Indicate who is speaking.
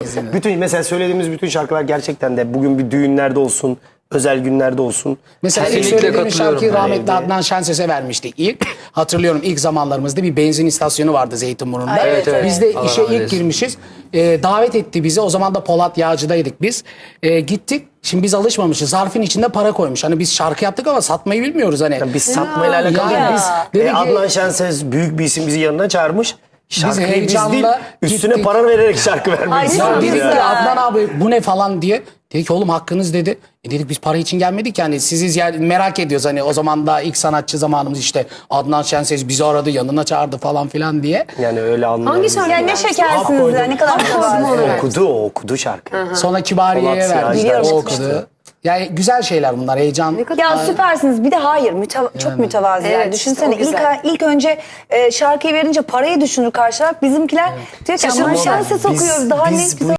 Speaker 1: Bütün mesela söylediğimiz bütün şarkılar gerçekten de bugün bir düğünlerde olsun, özel günlerde olsun.
Speaker 2: Mesela ilk
Speaker 3: Kesinlikle
Speaker 2: söylediğimiz şarkıyı
Speaker 1: katılıyorum.
Speaker 2: rahmetli
Speaker 1: Yani
Speaker 2: Adnan Şenses'e vermiştik ilk. Hatırlıyorum ilk zamanlarımızda bir benzin istasyonu vardı Zeytinburnu'nda.
Speaker 4: Evet, evet.
Speaker 2: Biz de
Speaker 3: Allah
Speaker 2: işe
Speaker 3: rahmet
Speaker 2: ilk
Speaker 3: eylesin.
Speaker 2: girmişiz. Davet etti bizi. O zaman da Polat Yağcı'daydık biz. Gittik. Şimdi biz alışmamışız. Zarfın içinde para koymuş. Hani biz şarkı yaptık ama satmayı bilmiyoruz hani.
Speaker 1: biz satmayla alakalı
Speaker 2: Ya.
Speaker 1: değil. Biz
Speaker 2: Dedi ki-
Speaker 1: Adnan Şenses büyük bir isim bizi yanına çağırmış. Şarkıyı biz
Speaker 2: heyecanla
Speaker 1: değil, üstüne
Speaker 2: gittik.
Speaker 1: para vererek şarkı vermeyi
Speaker 4: Ay,
Speaker 2: Ya
Speaker 1: istiyoruz
Speaker 2: dedik
Speaker 1: yani.
Speaker 2: ki Adnan abi bu ne falan diye. Dedi ki oğlum hakkınız dedi. Dedik biz para için gelmedik yani sizi merak ediyoruz hani o zaman da ilk sanatçı zamanımız işte Adnan Şenses bizi aradı yanına çağırdı falan filan diye.
Speaker 1: Yani öyle anlamda.
Speaker 4: Hangi şarkı? Yani ne şekersiniz ya, ne kadar
Speaker 1: Okudu şarkı.
Speaker 2: Sonra Kibariye'ye
Speaker 1: Polat
Speaker 2: verdik.
Speaker 1: Yağcı'dan
Speaker 2: O
Speaker 1: çıkmıştı.
Speaker 2: okudu. Yani güzel şeyler bunlar heyecan.
Speaker 4: Ya süpersiniz. Bir de hayır çok mütevaziler.
Speaker 5: Evet,
Speaker 4: Düşünsene
Speaker 5: işte o güzel.
Speaker 4: ilk önce şarkıyı verince parayı düşünür karşı taraf. Bizimkiler diyor ki ama
Speaker 1: Ama
Speaker 4: şansı sokuyoruz. Daha
Speaker 1: biz
Speaker 4: ne
Speaker 1: bu